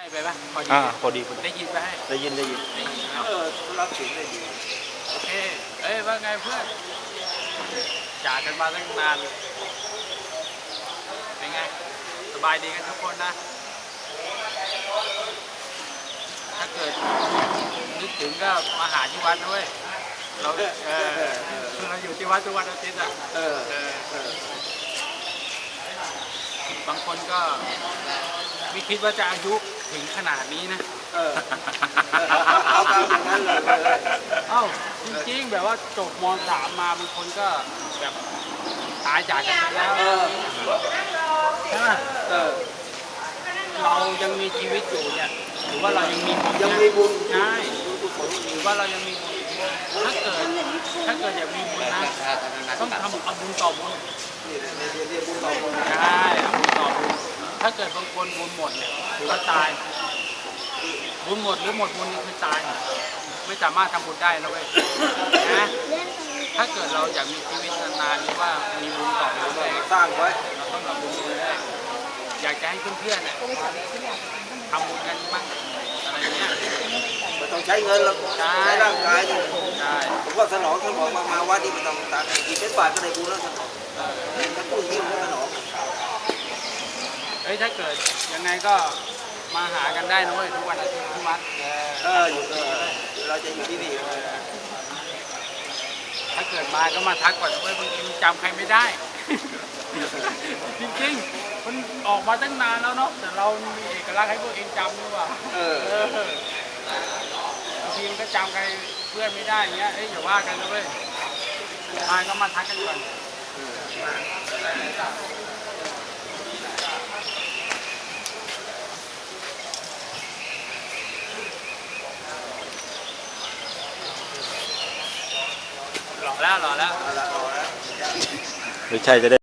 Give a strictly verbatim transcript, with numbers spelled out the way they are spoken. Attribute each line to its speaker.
Speaker 1: ไปปะพอดี
Speaker 2: อ่าพอดีพอดี
Speaker 1: ได้ยินไปให้
Speaker 2: ได้ยินได้ยิน
Speaker 3: เออรับเสียงได้ดี
Speaker 1: โอเคเอ้ยว่าไงเพื่อนจากกันมาตั้งนานเป็นไงสบายดีกันทุกคนนะถ้าเกิดนึกถึงก็มาหาที่วัดด้วยเราเออเราอยู่ที่วัดทุกวันอาทิตย์อ่ะ
Speaker 3: เออ
Speaker 1: เออ
Speaker 3: เออบ
Speaker 1: างคนก็ไม่คิดว่าจะอายุถึงขนาดนี้นะ
Speaker 3: เออเอาตามอย่างนั้นเลย
Speaker 1: เอ้าจริงๆแบบว่าจบม .สาม มาบางคนก็แบบตายจากกันไปแล้ว
Speaker 3: เออ
Speaker 1: ใช่ไหม
Speaker 3: เออ
Speaker 1: เรายังมีชีวิตอยู่เนี่ยถือว่าเรายังมีบุญ
Speaker 3: ยัง
Speaker 1: นะ
Speaker 3: มีบุญ
Speaker 1: ใช่
Speaker 3: ทุกคน
Speaker 1: ถือว่าเรายังมีบุญถ้าเกิดถ้าเกิดอยากมีบุญนะต้องทำเอาบุญต่อบุญ
Speaker 3: นี่เรียนเรียนบุญต่อบุญ
Speaker 1: ใช่เอาบุญต่อบุญถ้าเกิดบางคนบุญหมดเนี่ยถือว่าตายบุญหมดหรือหมดบุญนี่คือตายไม่สามารถทำบุญได้นะเว้ยนะถ้าเกิดเราอยากมีชีวิตนานๆหรือว่ามีบุญต่อบุญด้วย
Speaker 3: สร้างไว้
Speaker 1: เราต้องทำบุญด้วยอยากจะให้เพื่อนๆเนี่ยทำบุญกันบ้างอะไรเงี้ย
Speaker 3: ไม่ต้องใช้เงินหรอกใช้ร่างกายเนี่ย
Speaker 1: ใช่
Speaker 3: ผมว่าสนองท่านบอกมามาวัดนี่ไม่ต้องตามกินเป็นบาทก็ได้บุญแล้วสนองถ้าพูดอย่างนี้มันก็สนอง
Speaker 1: เฮ้ยถ้าเกิดยังไงก็มาหากันได้นะเว้ยทุกวันอาทิตย์ที่วัด
Speaker 3: เอออยู่เออเราจะอยู่ที่นี่
Speaker 1: ถ้าเกิดมาก็มาทักก่อนนะเว้ยบางทีมันจำใครไม่ได้ จริงๆมันออกมาตั้งนานแล้วเนาะแต่เรามีเอกลักษณ์ให้พวกเองจำหรือเปล่า
Speaker 3: เออ
Speaker 1: เออบางทีมันก็จำใครเพื่อนไม่ได้อย่างเงี้ยเอ้ยอย่าว่ากันนะเว้ยมาก็มาทักกันก่อนหล่อแล้วหล่อแล้ว
Speaker 3: เอาละเอาละ
Speaker 2: หรือใช่จะได้